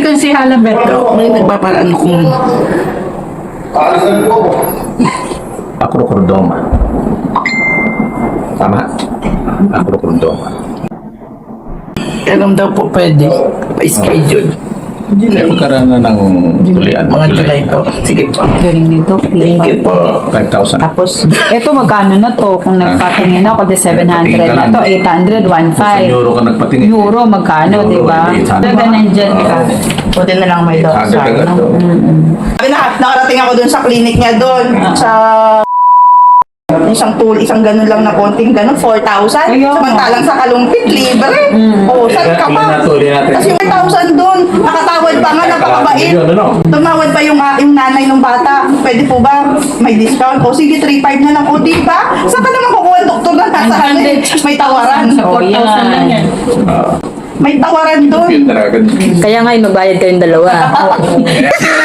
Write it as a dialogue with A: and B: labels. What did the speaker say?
A: konsihala Beto.
B: May nagpaparaan kung
C: Acrocordoma. Tama? Acrocordoma.
B: kailan daw po pwede pa-schedule.
C: Magkaroon na ng tulian.
B: Mga July po. Sige po.
A: Galing nito.
B: Thank you po.
C: 5,000.
A: Tapos, eto magkano na to? Kung nagpatingin ako, the 700 na to, 800, 1,500.
C: Euro ka nagpatingin.
A: Euro, magkano, di ba?
C: 800.
A: Talaga nandyan ka.
D: Buti na lang may doktor.
C: Agad-agad to.
D: Sabi na, nakarating ako dun sa clinic niya dun. Sa isang ganun lang na konting ganun, 4,000.
A: Ayaw.
D: Samantalang sa Kalumpit, libre. Oo, saan ka pa?
C: Ilan na to, ilan natin?
D: Kasi 4,000 dun. Nakatawad pa nga, napakabait.
C: Yun, ano?
D: Tumawad pa yung nanay ng bata. Pwede po ba may discount? O sige, 3,500 na lang. O di ba? Saan ka naman kukuha ang doktor na nasa ano eh? May tawaran.
A: Sa 4,000 lang yan.
D: May tawaran dun.
C: Yun talaga.
E: Kaya nga, magbayad kayong dalawa.